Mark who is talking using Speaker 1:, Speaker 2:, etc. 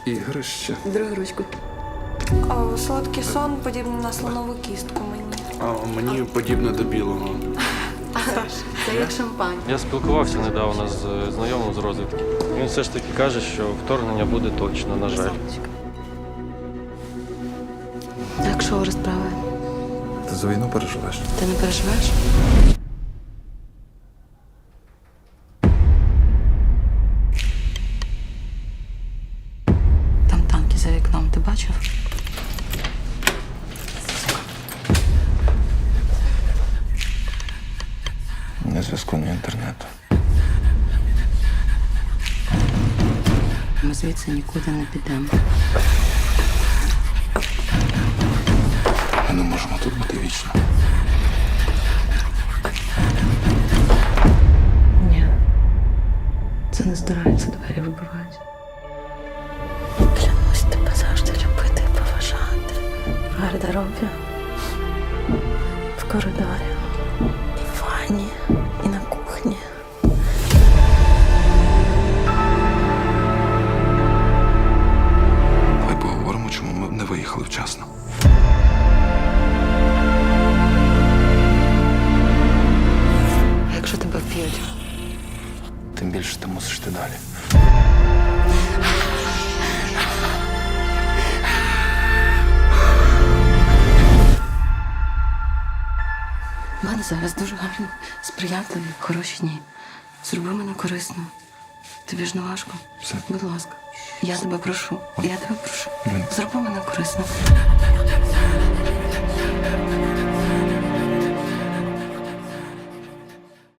Speaker 1: ігрище.
Speaker 2: Другу ручку.
Speaker 3: Солодкий сон подібний на слонову кістку мені.
Speaker 1: А мені подібне до білого.
Speaker 2: Це як шампань.
Speaker 4: Я спілкувався недавно з знайомим з розвідки. Він все ж таки каже, що вторгнення буде точно, на жаль.
Speaker 2: Так, що розправи?
Speaker 1: Ти за війну переживеш?
Speaker 2: Ти не переживаєш? Там танки за вікном, ти бачив?
Speaker 1: Ні зв'язку, ні інтернету.
Speaker 2: Ми звідси нікуди не підемо.
Speaker 1: Ми не можемо тут бути вічно.
Speaker 2: Ні. Це не здирається, двері вибивають. Клянусь тебе завжди любити і поважати. В гардеробі, в коридорі, і в ванні, і на кухні.
Speaker 1: Давай поговоримо, чому ми не виїхали вчасно.
Speaker 2: А якщо тебе вб'ють?
Speaker 1: Тим більше ти мусиш йти далі.
Speaker 2: У мене зараз дуже гарні, сприятливі, хороші дні. Зроби мене корисно. Тобі ж не важко.
Speaker 1: Все.
Speaker 2: Будь ласка. Я тебе прошу. Я тебе прошу.
Speaker 1: Блін.
Speaker 2: Зроби мене корисно.